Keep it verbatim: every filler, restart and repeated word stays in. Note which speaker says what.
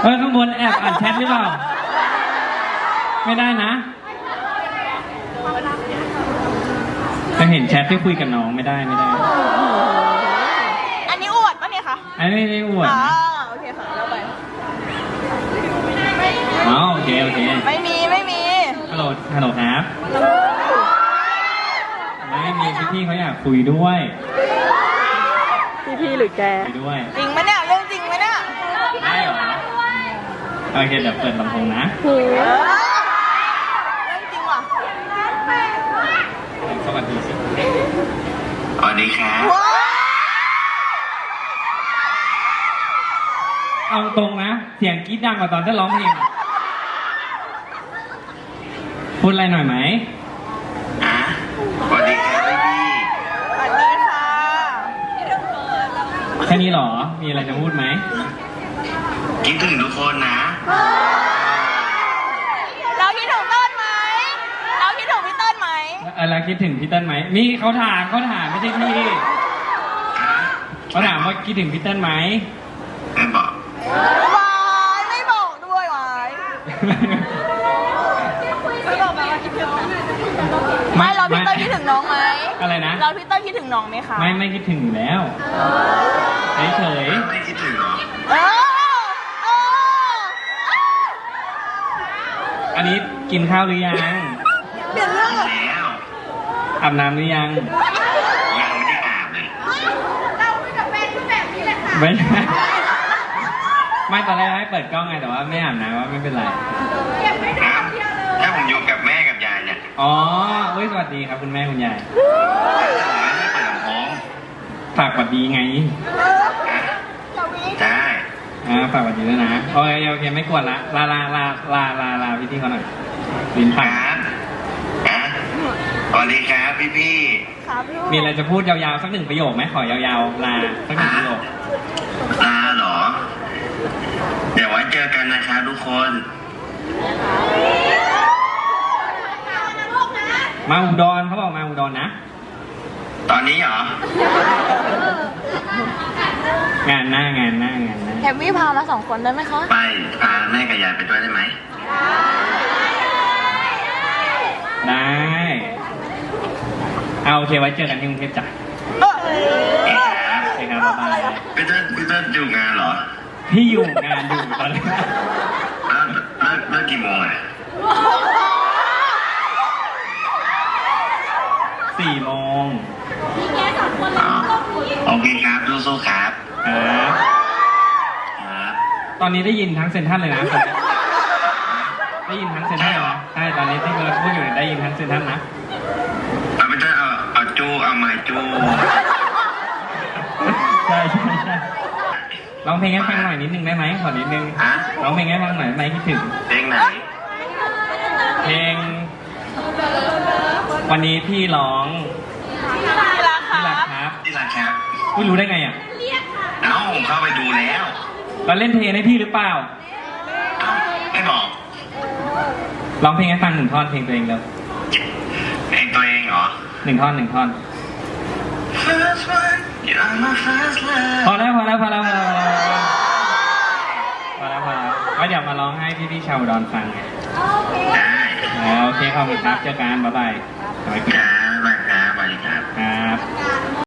Speaker 1: เออข้างบนแอบอ่านแชทหรือเปล่าไม่ได้นะจะเห็นแชทที่คุยกับน้องไม่ได้ไม่ได้
Speaker 2: อันนี้อวดปะเนี่ยคะ
Speaker 1: อันนี้ไม่ได้อวด
Speaker 2: อ๋อ
Speaker 1: นะ
Speaker 2: โอเคค่ะแล้วไป
Speaker 1: อ๋อโอเคโอเค
Speaker 2: ไม่มีไม่มี
Speaker 1: ฮัลโหลฮัลโหลครับไม่มีพี่พี่เขาอยากคุยด้วย
Speaker 2: พี่พี่หรือแก
Speaker 1: คุยด้วย
Speaker 2: จริงไหมเนี่ยเรื่องจริงไหมเนี่ย
Speaker 1: ได้เหรอโอเคเดี๋ยวเปิดลำโพงนะ
Speaker 2: เรื่องจริงว่ะ
Speaker 1: สวัสดีสิ
Speaker 3: สวัสดีครับ
Speaker 1: เอาตรงนะเสียงกรี๊ดดังกว่าตอนที่ร้องเพลงพูดอะไรหน่อยไหม
Speaker 3: อ่ะสวัสดีครับพี่
Speaker 2: สวัสดีค่ะ
Speaker 1: แค่นี้เหรอมีอะไรจะพูดไหม
Speaker 3: คิดถึงทุกคนนะ
Speaker 2: เราคิดถึงต้นไหมเราคิดถึงพี่ต้นไหม
Speaker 1: เออเราคิดถึงพี่เติ้ลไหมมีเขาถามเขาถามไม่ใช่พี่เขาถามว่าคิดถึงพี่เติ้ลไหม
Speaker 3: ไม่บอก
Speaker 2: วายไม่บอกด้วยวายไม่บอกไหมว่าคิดถึงไม่เราพี่เติ้ลคิดถึงน้องไหม
Speaker 1: อะไรนะ
Speaker 2: เราพี่เติ้ลคิดถึงน้องไหมคะ
Speaker 1: ไม่ไม่คิดถึงอยู่แล้วเฉย
Speaker 3: ๆไม่คิดถึงหรอ
Speaker 2: เออเออ
Speaker 1: อันนี้กินข้าวหรือยัง
Speaker 2: เปลี่ยนเรื่องเหรอ
Speaker 3: แล้ว
Speaker 1: อาบน้ำหรือยัง
Speaker 3: ยังไม่ได้อาบเลย
Speaker 2: เราคุยกับแฟนคือแบบนี้แหละค่ะ
Speaker 1: ไม่ไม่ตอนแรกให้เปิดกล้องไงแต่ว่าไม่อาบน้ำว่าไม่เป็นไร
Speaker 3: ครับถ้าผมอยู่กับแม่กับยายเนี่ย
Speaker 1: อ๋อเฮ้ยสวัสดีครับคุณแม่คุณยาย
Speaker 3: ไม่ได้เปิดลำโพง
Speaker 1: ฝากสวัสดีไง
Speaker 3: ได้
Speaker 1: อ่าฝากสวัสดีด้วยนะโอเคโอเคไม่กวนละลาลาลาลาลาลาพี่ที่เขาหน่อยลิ้นพัน
Speaker 3: อ่ะสวัสดีครับพี่พี่
Speaker 1: มีอะไรจะพูดยาวๆสักหนึ่งประโยคไหมขอยาวๆลาสักหนึ่งประโยค
Speaker 3: ลาเหรอเดี๋ยวไว้เจอกันนะครับทุกคน
Speaker 1: มาอุดรเขาบอกมาอุดรนะ
Speaker 3: ตอนนี้เหรอ
Speaker 1: งานหน้างานหน้างานหน้า
Speaker 2: แฮมวี่พามาสองคนได้ไหมคะ
Speaker 3: ไปพาแม่กับยายไปด้วยได้ไหม
Speaker 1: ได้เอาโอเคไว้เจอกันที่กรุงเทพจ้ะ
Speaker 2: เออ
Speaker 3: เอ๊ะครับ
Speaker 1: โอเคครับบ๊ายบาย
Speaker 3: พี่เต้นพี่เต้นอยู่งานเหรอ
Speaker 1: พี่อยู่งานอยู่ตอนนี้
Speaker 3: เลิกเลิกเลิกกี่โมงอ่ะ
Speaker 1: สี่โมง
Speaker 3: โอเคครับสู้ๆครับ
Speaker 1: ครับตอนนี้ได้ยินทั้งเซนทรัลเลยนะได้ยินทั้งเซนทรัลเลยนะใช่ตอนนี้ที่เราพูดอยู่ได้ยินทั้งเซนทรัลนะ
Speaker 3: เอาไม่ใช่เอาเอาจูเอาไม้จู
Speaker 1: ใช่ใช่ใช่ร้องเพลงให้ฟังหน่อยนิดนึงได้ไหมขอนิดนึงร้องเพลงให้ฟังหน่อยไหมคิดถึง
Speaker 3: เพลงไหน
Speaker 1: เพลงวันนี้พี่ร้อง
Speaker 2: ที่รัก
Speaker 1: ครับ
Speaker 3: ที่รักครับ
Speaker 1: คุณรู้ได้ไงอ่ะ
Speaker 3: เอ้าผมเข้าไปดูแล้ว
Speaker 1: เราเล่นเพลงให้พี่หรือเปล่า
Speaker 3: เอ้าไม่บอก
Speaker 1: ร้องเพลงให้ฟังหนึ่งท่อนเพลงตัวเองแล้ว
Speaker 3: เพลงตัวเองเหรอ
Speaker 1: หนึ่งท่อนหนึ่งท่อนพอแล้วพอแล้วพอแล้วพอแล้วพอแล้วพอแล้วก็เดี๋ยวมาร้องให้พี่พี่ชาวอุดรฟังไง
Speaker 3: ได้
Speaker 1: โอเคขอบคุณครับเจอกันบ๊ายบาย
Speaker 3: ครับบ๊ายบายครับสวัสดีครับ
Speaker 1: ครับ